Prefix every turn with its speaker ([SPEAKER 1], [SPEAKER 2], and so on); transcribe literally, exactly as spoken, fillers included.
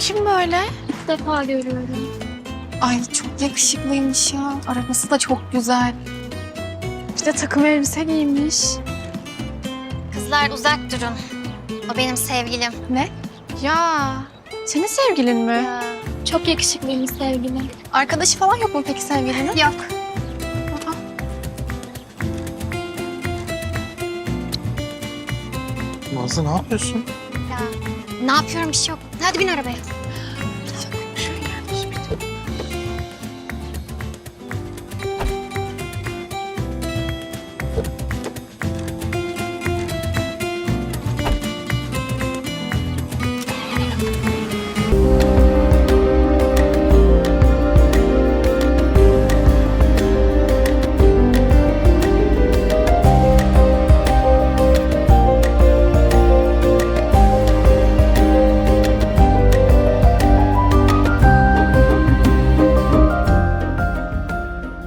[SPEAKER 1] kim böyle?
[SPEAKER 2] İlk defa görüyorum.
[SPEAKER 1] Ay çok yakışıklıymış ya. Arabası da çok güzel. Bir de takım elbise giymiş.
[SPEAKER 3] Kızlar uzak durun. O benim sevgilim.
[SPEAKER 1] Ne? Ya senin sevgilin mi?
[SPEAKER 3] Ya.
[SPEAKER 2] Çok yakışıklıymış sevgilim.
[SPEAKER 1] Arkadaşı falan yok mu peki sevgilinin?
[SPEAKER 3] Yok.
[SPEAKER 1] Aa,
[SPEAKER 4] Nazlı ne yapıyorsun?
[SPEAKER 3] Ya. Ne yapıyorum bir şey yok. Hadi bin arabaya.